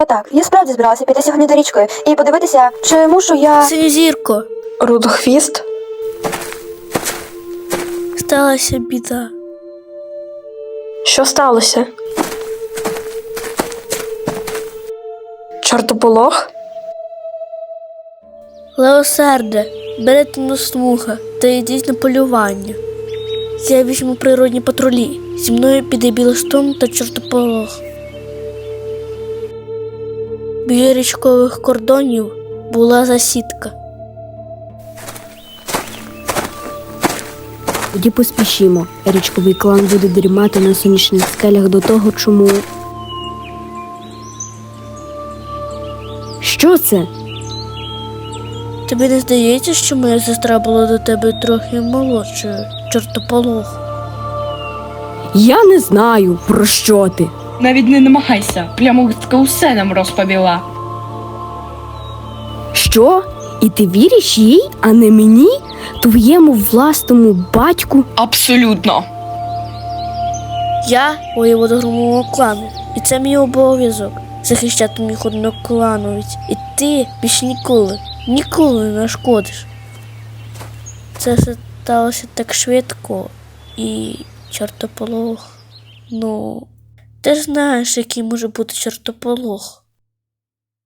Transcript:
Так, я справді збиралася піти сьогодні до річкою і подивитися, чи мушу я... Синьозірко, Рудохвіст? сталася біда. Що сталося? Чортополох? Леосарде, берете на слуга та йдіть на полювання. Я візьму природні патрулі. Зі мною піде Білостон та Чортополох. Біля річкових кордонів була засідка. Тоді поспішімо. Річковий клан буде дрімати на сонячних скелях до того, чому... Що це? Тобі не здається, що моя сестра була до тебе трохи молодшою, Чортополох? Я не знаю, про що ти. Навіть не намагайся, плямистка усе нам розповіла. Що? І ти віриш їй, а не мені? Твоєму власному батьку? Абсолютно. Я воєвода громового клану, і це мій обов'язок захищати моїх одноклановиць. І ти більш ніколи не нашкодиш. Це все сталося так швидко, і Чортополох, ти ж знаєш, який може бути Чортополох.